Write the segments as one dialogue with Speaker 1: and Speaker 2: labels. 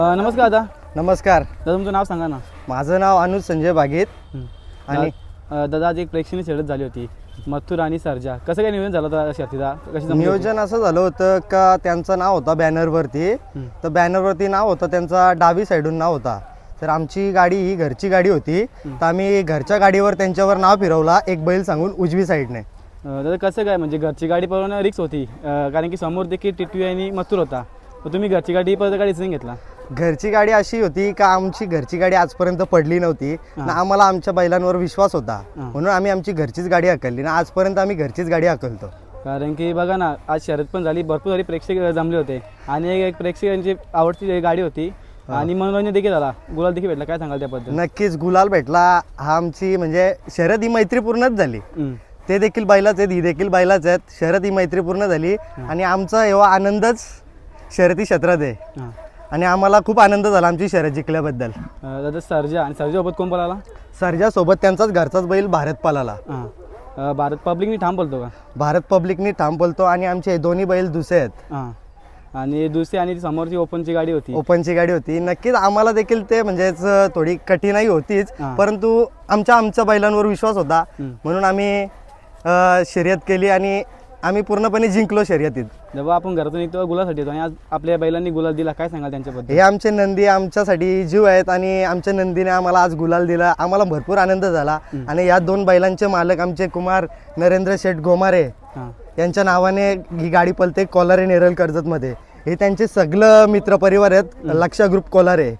Speaker 1: नमस्कार दादा.
Speaker 2: नमस्कार
Speaker 1: दादा तुमचं नाव सांगा ना.
Speaker 2: माझं नाव अनुज संजय बागेत. आणि
Speaker 1: दादा आज एक प्रेक्षणीय शर्यत झाली होती मथुर आणि सर्जा. कसं काय नियोजन झालं होतं शर्यतीचा? कशी जमली होती?
Speaker 2: नियोजन असं झालं होतं का त्यांचं नाव होतं बॅनरवरती. तर बॅनरवरती नाव होतं त्यांचा डावी साईडून नाव होता. तर आमची गाडी ही घरची गाडी होती. तर आम्ही घरच्या गाडीवर त्यांच्यावर नाव फिरवला एक बैल सांगून उजवी साईडने.
Speaker 1: दादा कसं काय म्हणजे घरची गाडी पळवणं रिक्स होती कारण की समोर देखील टिटवी आणि मथुर होता. तर तुम्ही घरची गाडी परत गाडी डिसिजन घेतला?
Speaker 2: घरची गाडी अशी होती का आमची घरची गाडी आजपर्यंत पडली नव्हती ना. आम्हाला आमच्या बैलांवर विश्वास होता म्हणून आम्ही आमची घरचीच गाडी हाकलली ना. आजपर्यंत आम्ही घरचीच गाडी हाकलतो.
Speaker 1: कारण की बघा ना आज शर्यत पण झाली, भरपूर सारी प्रेक्षक जमले होते आणि एक प्रेक्षकांची आवडती गाडी होती आणि मनोरंजन देखील झाला, गुलाल देखील भेटला. काय सांगाल त्याबद्दल?
Speaker 2: नक्कीच गुलाल भेटला. हा आमची म्हणजे शर्यत ही मैत्रीपूर्णच झाली. ते देखील बैलाच आहेत, ही देखील बैलाच आहेत. शर्यत ही मैत्रीपूर्ण झाली आणि आमचा एवढा आनंदच शर्यती क्षेत्रात आहे आणि आम्हाला खूप आनंद झाला आमची शर्यत जिंकल्याबद्दल.
Speaker 1: दादा सर्जा आणि सर्जासोबत कोण पळाला?
Speaker 2: सर्जासोबत त्यांचाच घरचाच बैल भारत पळाला.
Speaker 1: भारत पब्लिकनी ठाम बोलतो का?
Speaker 2: भारत पब्लिकनी ठाम बोलतो आणि आमचे दोन्ही बैल दुसरे आहेत.
Speaker 1: आणि दुसरी आणि समोरची ओपनची गाडी होती.
Speaker 2: ओपनची गाडी होती. नक्कीच आम्हाला देखील ते म्हणजेच थोडी कठीणाई होतीच, परंतु आमच्या बैलांवर विश्वास होता म्हणून आम्ही शर्यत केली आणि आम्ही पूर्णपणे जिंकलो शर्यतीत.
Speaker 1: जेव्हा आपण घरातून निघतो गुलासाठी येतो आणि आज आपल्या बैलांनी गुलाल दिला, काय सांगाल त्यांच्याबद्दल?
Speaker 2: हे आमचे नंदी आमच्यासाठी जीव आहेत आणि आमच्या नंदीने आम्हाला आज गुलाल दिला. आम्हाला भरपूर आनंद झाला आणि या दोन बैलांचे मालक आमचे कुमार नरेंद्र शेठ गोमारे यांच्या नावाने ही गाडी पळते कोलारे नेरळ कर्जतमध्ये. हे त्यांचे सगळं मित्रपरिवार आहेत, लक्षा ग्रुप कोलारे.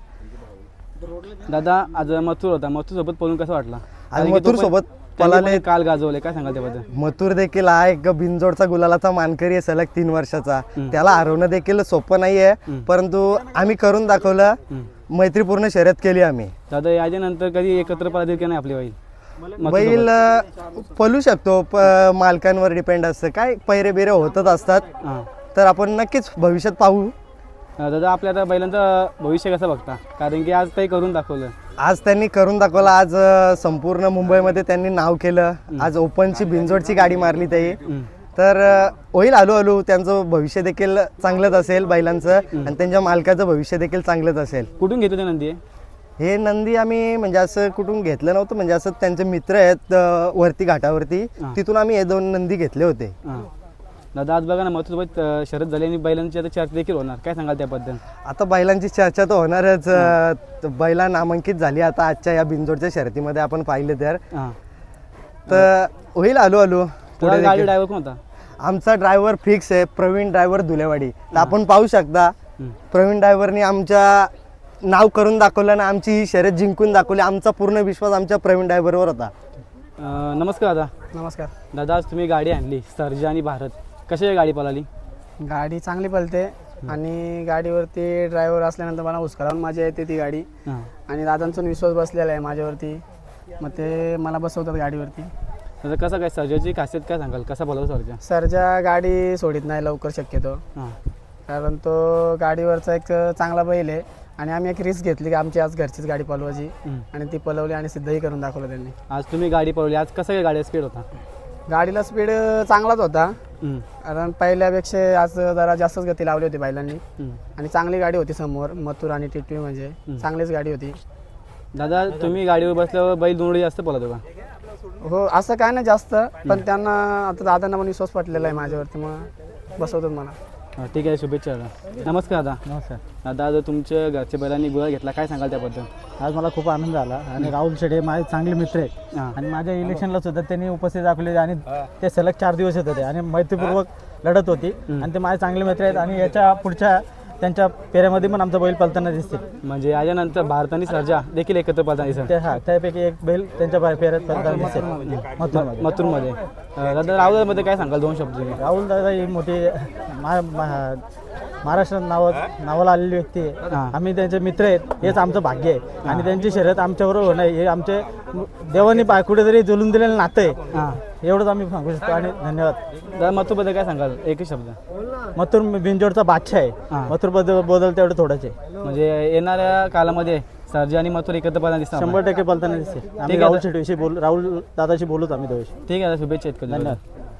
Speaker 1: दादा आज मथुर होता, मथुर सोबत पळून कसं वाटला?
Speaker 2: आज मथुर सोबत
Speaker 1: पळाले, काल गाजवले, काय सांगाल त्याबद्दल?
Speaker 2: मथुर देखील हा एक बिनजोडचा गुलालाचा मानकरी आहे सलग 3 वर्षाचा. त्याला हरवणं देखील सोपं नाहीये, परंतु आम्ही करून दाखवलं. मैत्रीपूर्ण शर्यत केली आम्ही.
Speaker 1: दादा याच्यानंतर कधी एकत्र पळातील की नाही आपली बैल?
Speaker 2: बैल पळू शकतो, मालकांवर डिपेंड असतं. काय पैरे बिरे होतच असतात, तर आपण नक्कीच भविष्यात पाहू.
Speaker 1: दादा आपल्या आता बैलांचं भविष्य कसं बघता? कारण की आज काही करून दाखवलं.
Speaker 2: आज त्यांनी करून दाखवलं. आज संपूर्ण मुंबईमध्ये त्यांनी नाव केलं. आज ओपनची बिनजोडची गाडी मारली ते. तर होईल हळूहळू. त्यांचं भविष्य देखील चांगलंच असेल बैलांचं आणि त्यांच्या मालकाचं भविष्य देखील चांगलंच असेल.
Speaker 1: कुठून घेतो ते नंदी?
Speaker 2: हे नंदी आम्ही म्हणजे असं कुठून घेतलं नव्हतं, म्हणजे असं त्यांचे मित्र आहेत वरती घाटावरती, तिथून आम्ही हे 2 नंदी घेतले होते.
Speaker 1: दादा आज बघा ना मथुरसोबत शर्यत झाली आणि बैलांची आता चर्चा देखील होणार, काय सांगाल त्याबद्दल?
Speaker 2: आता बैलांची चर्चा तर होणारच. बैला नामांकित झाली आता आजच्या या बिनजोडच्या शर्यतीमध्ये आपण पाहिलं तर होईल हळूहळू.
Speaker 1: पुढे गाडी ड्रायव्हर कोण होता?
Speaker 2: आमचा ड्रायव्हर फिक्स आहे, प्रवीण ड्रायव्हर धुलेवाडी. तर आपण पाहू शकता प्रवीण ड्रायव्हरनी आमच्या नाव करून दाखवलं ना, आमची ही शर्यत जिंकून दाखवली. आमचा पूर्ण विश्वास आमच्या प्रवीण ड्रायव्हरवर होता.
Speaker 1: नमस्कार दादा.
Speaker 3: नमस्कार
Speaker 1: दादा आज तुम्ही गाडी आणली सर्जा आणि भारत, कशी गाडी पळाली?
Speaker 3: गाडी चांगली पळते आणि गाडीवरती ड्रायव्हर असल्यानंतर मला हुसकारावून मजा येते ती गाडी. आणि दादांचा विश्वास बसलेला आहे माझ्यावरती, मग ते मला बसवतात गाडीवरती.
Speaker 1: दादा कसं काय सर्जाची खासियत काय सांगाल, कसा बोलावं सर्जा?
Speaker 3: सर्जा गाडी सोडित नाही लवकर शक्यतो, कारण तो गाडीवरचा एक चांगला बैल आहे आणि आम्ही एक रिस्क घेतली की आमची आज घरचीच गाडी पळवायची आणि ती पळवली आणि सिद्धही करून दाखवलं त्यांनी.
Speaker 1: आज तुम्ही गाडी पळवली, आज कसं काय गाडी स्पीड होता?
Speaker 3: गाडीला स्पीड चांगलाच होता, कारण पहिल्यापेक्षा आज जरा जास्तच गती लावली होती बैलांनी आणि चांगली गाडी होती समोर मथुर आणि टिटवी, म्हणजे चांगलीच गाडी होती.
Speaker 1: दादा तुम्ही गाडीवर बसल्यावर बैल दोन्ही जास्त पळतो का?
Speaker 3: हो असं काय नाही जास्त, पण त्यांना आता दादांना पण विश्वास पटलेला आहे माझ्यावरती, मग बसवतात मला.
Speaker 1: ठीक आहे, शुभेच्छा दादा. नमस्कार दादा.
Speaker 4: नमस्कार
Speaker 1: दादा आज तुमच्या घरच्या बैलांनी गुलाल घेतला, काय सांगाल त्याबद्दल?
Speaker 4: आज मला खूप आनंद झाला आणि राहुल शेडे माझे चांगले मित्र आहेत आणि माझ्या इलेक्शनला सुद्धा त्यांनी उपस्थित दाखवले आणि ते सलग 4 दिवस येत होते आणि मैत्रीपूर्वक लढत होती आणि ते माझे चांगले मित्र आहेत आणि याच्या पुढच्या त्यांच्या पेऱ्यामध्ये पण आमचा बैल पळताना दिसते.
Speaker 1: म्हणजे याच्यानंतर भारत आणि सर्जा देखील एकत्र पळताना दिसते.
Speaker 4: त्यापैकी एक बैल त्यांच्या पेऱ्यात पळताना दिसते
Speaker 1: मथुरमध्ये. दादा राहुलमध्ये काय सांगाल 2 शब्द?
Speaker 4: राहुल दादा ही मोठी महाराष्ट्रात नावाला आलेली व्यक्ती आहे. आम्ही त्यांचे मित्र आहेत, हेच आमचं भाग्य आहे आणि त्यांची शर्यत आमच्याबरोबर होणं हे आमचे देवानी कुठेतरी जुलून दिलेलं नातं आहे, एवढंच आम्ही सांगू शकतो. आणि धन्यवाद.
Speaker 1: दादा मथुरबद्दल काय सांगाल, एकच शब्द?
Speaker 4: मथुर बिनजोडचा बादशाह आहे. मथुर बदल तेवढं थोडंच आहे.
Speaker 1: म्हणजे येणाऱ्या कालामध्ये सर्जा आणि मथुर एकत्र पळताना दिसतात?
Speaker 4: 100% पळताना दिसते. आम्ही राहुल शेट्टीविषयी राहुल दादाशी बोलूच आम्ही दोघे.
Speaker 1: ठीक आहे, शुभेच्छा.
Speaker 4: धन्यवाद.